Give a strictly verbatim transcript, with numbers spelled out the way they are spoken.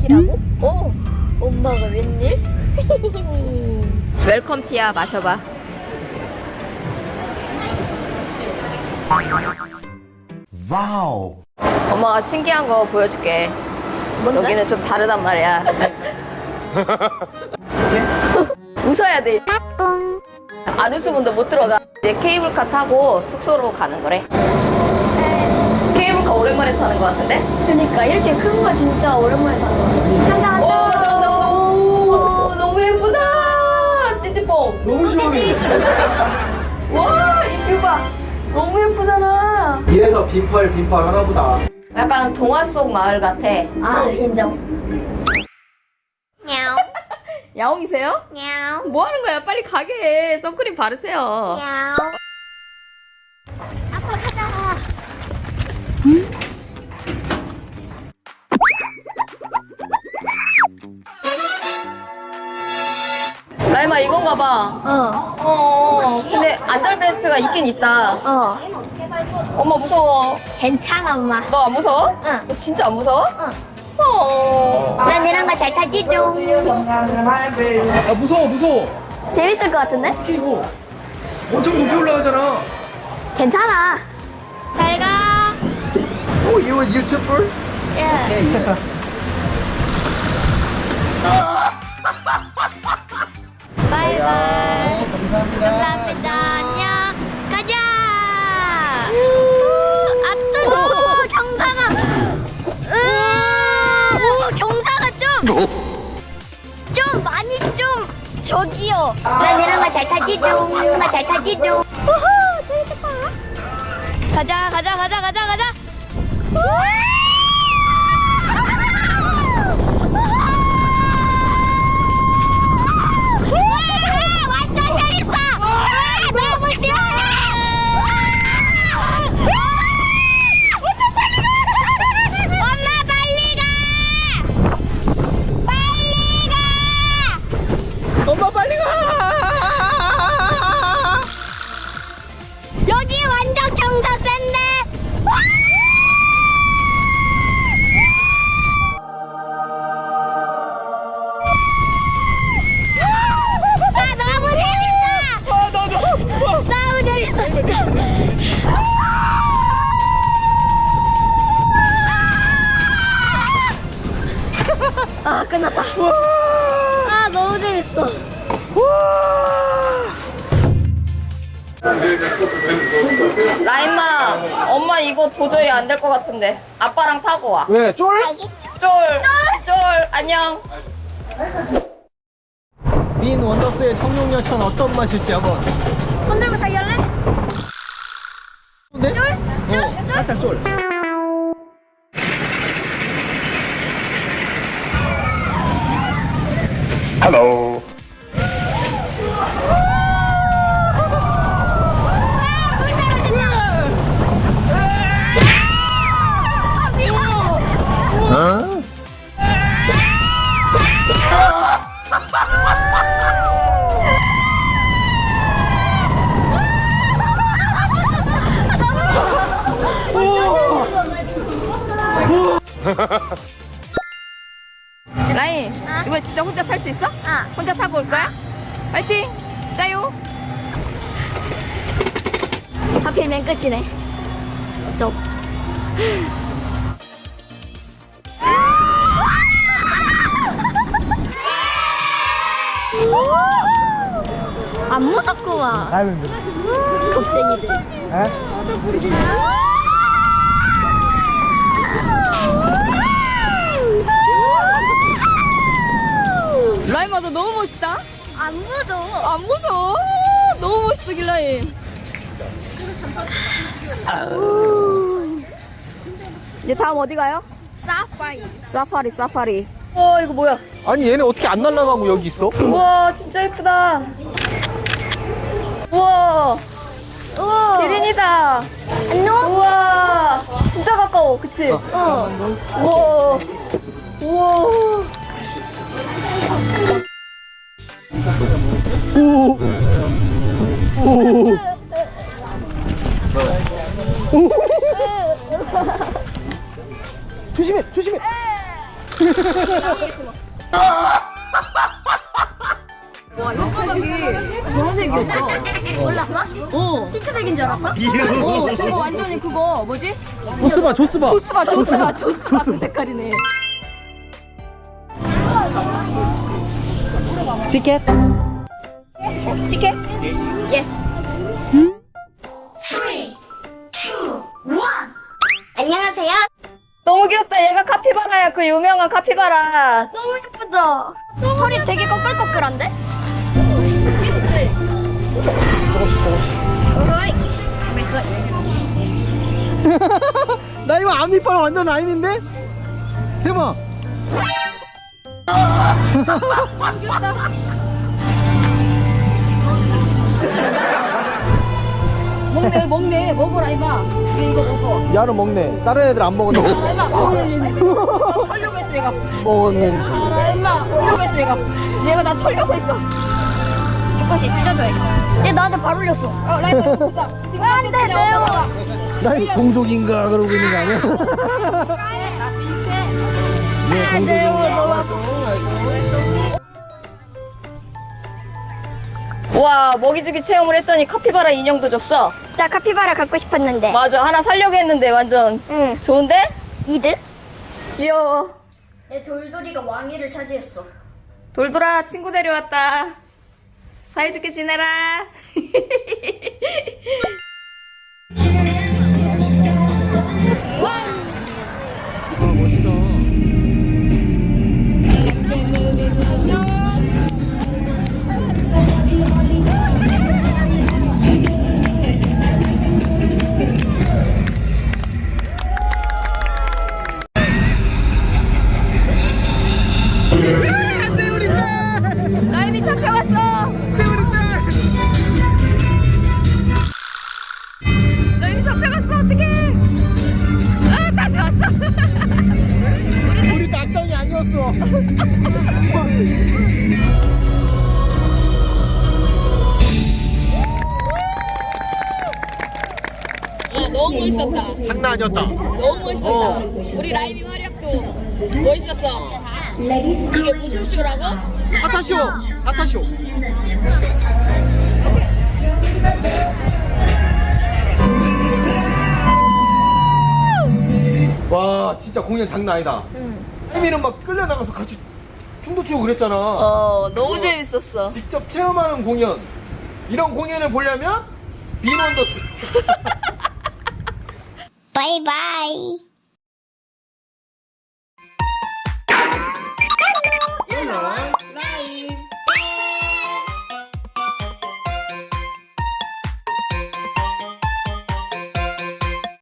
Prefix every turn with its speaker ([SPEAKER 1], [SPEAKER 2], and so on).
[SPEAKER 1] 웬일이라고?
[SPEAKER 2] 오,
[SPEAKER 1] 엄마가 웬일?
[SPEAKER 2] 웰컴 티야. 마셔봐.
[SPEAKER 3] 와우.
[SPEAKER 2] 엄마가 신기한 거 보여줄게.
[SPEAKER 1] 뭔데?
[SPEAKER 2] 여기는 좀 다르단 말이야. 웃어야 돼. 안 웃으면 너 못 들어가. 이제 케이블카 타고 숙소로 가는 거래. 케이블카 오랜만에 타는 거 같은데?
[SPEAKER 1] 그니까 이렇게 큰 거 진짜 오랜만에 타는 거. 한다
[SPEAKER 2] 오,
[SPEAKER 1] 한다.
[SPEAKER 2] 너무, 너무 예쁘다. 찌찌뽕.
[SPEAKER 3] 너무 시원해.
[SPEAKER 2] 와, 이 뷰 봐. 너무 예쁘잖아.
[SPEAKER 3] 이래서 빈팔 빈팔 하나보다.
[SPEAKER 2] 약간 동화 속 마을 같아.
[SPEAKER 1] 아 인정.
[SPEAKER 4] 냐옹
[SPEAKER 2] 야옹이세요?
[SPEAKER 4] 냐옹
[SPEAKER 2] 뭐 하는 거야? 빨리 가게 해. 선크림 바르세요.
[SPEAKER 4] 냐옹 아빠 가자.
[SPEAKER 2] 라임아, 이건가 봐.
[SPEAKER 1] 어.
[SPEAKER 2] 어, 근데 안전벨트가 있긴 있다.
[SPEAKER 1] 어.
[SPEAKER 2] 엄마 무서워.
[SPEAKER 1] 괜찮아 엄마.
[SPEAKER 2] 너 안 무서워?
[SPEAKER 1] 응.
[SPEAKER 2] 너 진짜 안 무서워?
[SPEAKER 1] 응.
[SPEAKER 2] 어.
[SPEAKER 1] 난 이런 거 잘 타지 좀.
[SPEAKER 5] 아 무서워 무서워.
[SPEAKER 1] 재밌을 것 같은데?
[SPEAKER 5] 이거 엄청 높이 올라가잖아.
[SPEAKER 1] 괜찮아. 잘 가.
[SPEAKER 3] Oh, you a YouTuber?
[SPEAKER 1] 예. 바이바이.
[SPEAKER 5] 감사합니다.
[SPEAKER 1] 감사합니다. 안녕. 가자. 아 뜨거. 경사가. 으, 경사가 좀. 좀 많이 좀 저기요. 난 이런 거 잘 타지 좀. 이런 거 잘 타지 좀. 우후 재밌겠다. 가자 가자 가자 가자 가자. 완전 재밌어. 너무 시원해. 엄마 빨리 가. 빨리 가.
[SPEAKER 5] 엄마 빨리 가.
[SPEAKER 1] 여기 완전 경사 센데. 아 너무 재밌어.
[SPEAKER 5] 아 나도.
[SPEAKER 1] 너무 재밌어. 아 끝났다. 아 너무 재밌어.
[SPEAKER 2] 라임아, 엄마 이거 도저히 안 될 것 같은데. 아빠랑 타고 와.
[SPEAKER 3] 왜? 쫄?
[SPEAKER 2] 쫄, 쫄, 안녕.
[SPEAKER 5] 빈 원더스의 청룡여천 어떤 맛일지 한번.
[SPEAKER 1] 손 들고 타기 할래?
[SPEAKER 5] 네? 쫄? 어, 살짝 쫄.
[SPEAKER 3] Hello. 어?
[SPEAKER 2] 라임, 이번에 진짜 혼자 탈 수 있어?
[SPEAKER 1] 아.
[SPEAKER 2] 혼자 타고 올 거야? 화이팅! 짜요!
[SPEAKER 1] 하필이면 끝이네. 좀. 안 무섭구만.
[SPEAKER 5] 아유.
[SPEAKER 1] 겁쟁이들.
[SPEAKER 5] 에?
[SPEAKER 2] 라임아, 너 너무 멋있다?
[SPEAKER 1] 안 무서워.
[SPEAKER 2] 안 무서워? 너무 멋있어, 길라임. 아우. 이제 다음 어디 가요?
[SPEAKER 1] 사파리.
[SPEAKER 2] 사파리, 사파리. 어, 이거 뭐야?
[SPEAKER 5] 아니 얘네 어떻게 안 날아가고 여기 있어?
[SPEAKER 2] 우와, 진짜 예쁘다. 우와,
[SPEAKER 1] 우와.
[SPEAKER 2] 기린이다.
[SPEAKER 1] 안녕.
[SPEAKER 2] 우와, 진짜 가까워, 그치?
[SPEAKER 5] 어.
[SPEAKER 2] 우와, 우와.
[SPEAKER 5] 오. 오. 오. 조심해, 조심해.
[SPEAKER 2] 와, 혓바닥이 저런 색이었어.
[SPEAKER 1] 몰랐어?
[SPEAKER 2] 어.
[SPEAKER 1] 핑크색인 줄 알았어?
[SPEAKER 2] 어, 저거 완전히 그거 뭐지?
[SPEAKER 5] 조스바 조스바
[SPEAKER 2] 조스바, 조스바, 조스바 그 색깔이네.
[SPEAKER 5] 티켓
[SPEAKER 2] 어, 티켓? 예.
[SPEAKER 1] 안녕하세요.
[SPEAKER 2] 너무 귀엽다. 얘가 카피바라야. 그 유명한 카피바라.
[SPEAKER 1] 너무 예쁘다. 털이 되게 꺼끌꺼끌한데? 어이.
[SPEAKER 5] 나 이거 앞니빨 완전 라인인데? 대박.
[SPEAKER 2] 먹네, 먹네. 먹어라, 이마. 얘 이거 먹어.
[SPEAKER 5] 야는 먹네. 다른 애들 안 먹었는데.
[SPEAKER 2] 아, 이마, 먹어. 털려고 했어, 얘가.
[SPEAKER 5] 먹었네.
[SPEAKER 2] 아, 이마, 털려고 했어, 얘가. 얘가 나 털려고 했어.
[SPEAKER 1] 조금씩 찢어줘야겠다. 얘 나한테 발 올렸어.
[SPEAKER 2] 어, 라이트 보자. 지금 안 돼, 내요.
[SPEAKER 5] 나 이거 동족인가 그러고 있는 거 아니야? 네, 동족인가.
[SPEAKER 2] 와, 먹이주기 체험을 했더니 카피바라 인형도 줬어.
[SPEAKER 1] 나 카피바라 갖고 싶었는데.
[SPEAKER 2] 맞아, 하나 살려고 했는데 완전
[SPEAKER 1] 응.
[SPEAKER 2] 좋은데?
[SPEAKER 1] 이득?
[SPEAKER 2] 귀여워.
[SPEAKER 1] 내 돌돌이가 왕위를 차지했어.
[SPEAKER 2] 돌돌아, 친구 데려왔다. 사이좋게 지내라.
[SPEAKER 5] 와, 멋있다.
[SPEAKER 2] 라임이 잡혀갔어. 라임이 잡혀갔어. 어떡해. 아, 다시 왔어.
[SPEAKER 5] 우리 낙당이 아니었어.
[SPEAKER 2] 아, 너무 멋있었다.
[SPEAKER 5] 장난 아니었다.
[SPEAKER 2] 너무 멋있었다.
[SPEAKER 5] 어.
[SPEAKER 2] 우리 라임이 활약도 멋있었어. 이게 무슨 쇼라고?
[SPEAKER 5] 아타쇼. 아타쇼. 와, 진짜 공연 장난 아니다. 혜미는 막 끌려나가서 같이 춤도 추고 그랬잖아.
[SPEAKER 2] 어, 너무 재밌었어.
[SPEAKER 5] 직접 체험하는 공연. 이런 공연을 보려면 빈원더스.
[SPEAKER 1] 바이바이.